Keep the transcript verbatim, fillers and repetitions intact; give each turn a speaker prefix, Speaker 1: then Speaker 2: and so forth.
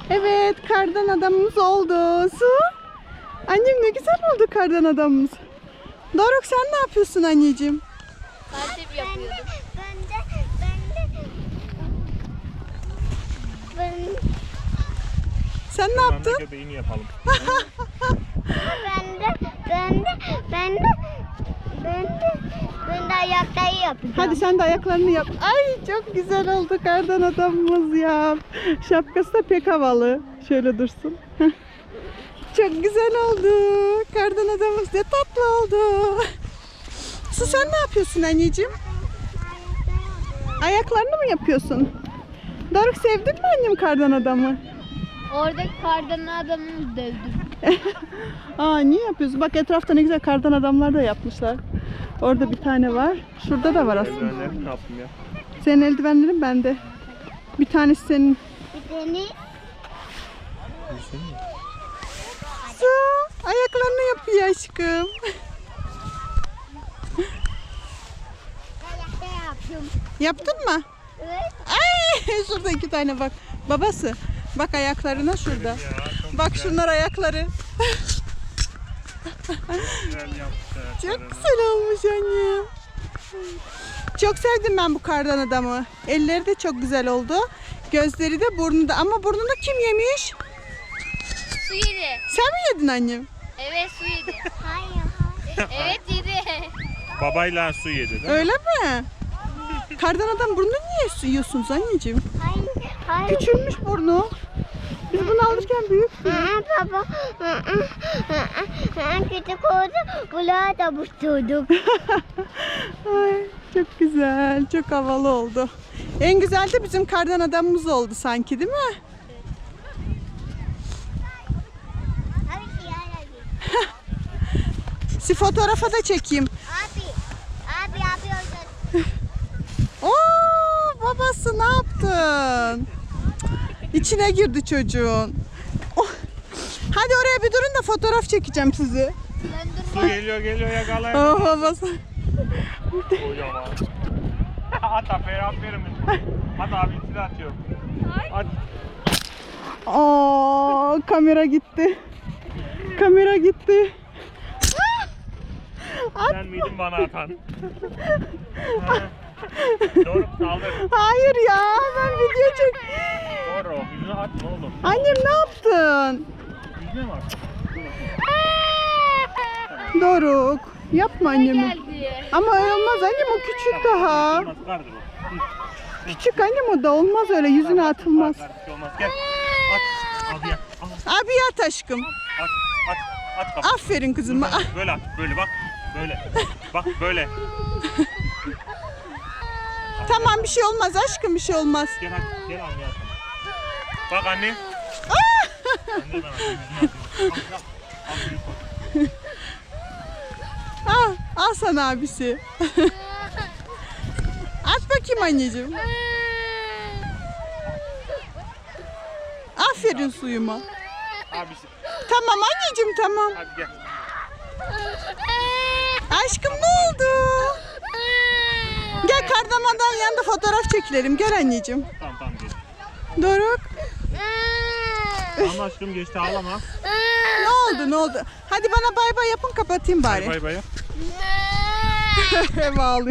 Speaker 1: Evet, kardan adamımız oldu. Su. Annem ne güzel oldu kardan adamımız. Doruk sen ne yapıyorsun anneciğim?
Speaker 2: Kardeşim yapıyordum.
Speaker 3: Ben de, ben de, ben de,
Speaker 1: Sen ne yaptın?
Speaker 4: Göbeğini yapalım.
Speaker 3: ben de, ben de, ben de, ben de, ben de ayakları yapacağım.
Speaker 1: Hadi sen de ayaklarını yap. Ay çok güzel oldu kardan adamımız ya. Şapkası da pek havalı. Şöyle dursun. Çok güzel oldu. Kardan adamımız ne tatlı oldu. Su sen ne yapıyorsun anneciğim? Ayaklarını mı yapıyorsun? Doruk sevdin mi annem kardan adamı?
Speaker 2: Oradaki kardan adamını dövdüm.
Speaker 1: Aa niye yapıyorsun? Bak etrafta ne güzel kardan adamlar da yapmışlar. Orada bir tane var. Şurada da var aslında.
Speaker 4: Eldivenleri ne yaptım ya?
Speaker 1: Senin eldivenlerin bende. Bir tanesi senin.
Speaker 3: Bir tane
Speaker 1: Su ayaklarını yapıyor aşkım.
Speaker 3: ayakta yapıyorum.
Speaker 1: Yaptın mı?
Speaker 3: Evet.
Speaker 1: Ay şurada iki tane bak. Babası. Bak ayaklarına şurada.
Speaker 4: Ya, çok
Speaker 1: Bak
Speaker 4: güzel,
Speaker 1: şunlar ayakları.
Speaker 4: güzel yaptı.
Speaker 1: Çok güzel olmuş annem. Çok sevdim ben bu kardan adamı. Elleri de çok güzel oldu. Gözleri de burnu da. Ama burnunu kim yemiş?
Speaker 2: Su yedi.
Speaker 1: Sen mi yedin annem?
Speaker 2: Evet su yedi.
Speaker 3: Hayır, hayır.
Speaker 2: Evet yedi.
Speaker 4: Babayla su yedi değil mi?
Speaker 1: Öyle mi? Kardan adam burnunu niye yiyorsunuz anneciğim?
Speaker 3: Hayır, hayır.
Speaker 1: Küçülmüş burnu. Biz bunu alırken büyük.
Speaker 3: Aa, baba, küçük oldu, kulağı da busturduk.
Speaker 1: Ay, çok güzel, çok havalı oldu. En güzel de bizim kardan adamımız oldu sanki değil mi? Si fotoğrafa da çekeyim.
Speaker 3: Abi, abi yapıyorsun.
Speaker 1: Oo, babası ne yaptın? İçine girdi çocuğun. Oh. Hadi oraya bir durun da fotoğraf çekeceğim sizi.
Speaker 4: Su geliyor geliyor yakalayın.
Speaker 1: Oh, babası.
Speaker 4: Kocaman. At aferin aferin. Hadi abi silah atıyorum. Hadi.
Speaker 1: Aa, kamera gitti. Kamera gitti.
Speaker 4: Sen miydin bana atan? Ha. Doğru saldır.
Speaker 1: Hayır ya, ben video çek.
Speaker 4: Doğru. Yüzüne atma oğlum.
Speaker 1: Annem ne yaptın?
Speaker 4: Yüzüne mi at?
Speaker 1: Doruk, yapma annemi.
Speaker 2: Geldi.
Speaker 1: Ama öyle olmaz annem, o küçük daha.
Speaker 4: Olmaz, kardır o.
Speaker 1: Küçük annem, o da olmaz öyle, yüzüne atılmaz.
Speaker 4: Kar, kar, olmaz. Gel. At. Abi at. Al.
Speaker 1: Abi at aşkım.
Speaker 4: At. At. At kapı.
Speaker 1: Aferin kızım. Ah.
Speaker 4: Böyle at. Böyle bak. Böyle. Bak böyle.
Speaker 1: Tamam bir şey olmaz aşkım, bir şey olmaz.
Speaker 4: Gel hadi. Gel anne at. Bak anne. Anne ben atayım. Yüzüne atayım. Al, al. Al, büyük koy.
Speaker 1: Al, al sana abisi. At bakayım anneciğim. Aferin suyuma.
Speaker 4: Abisi.
Speaker 1: Tamam anneciğim tamam.
Speaker 4: Hadi gel.
Speaker 1: Aşkım ne oldu? Gel kardamadan yanında fotoğraf çekilelim. Gel anneciğim.
Speaker 4: Tamam tamam gel.
Speaker 1: Doruk.
Speaker 4: Ama aşkım geçti ağlama.
Speaker 1: Ne oldu ne oldu? Hadi bana bay bay yapın kapatayım bari.
Speaker 4: Bay bay yap.
Speaker 1: Bağlıyor.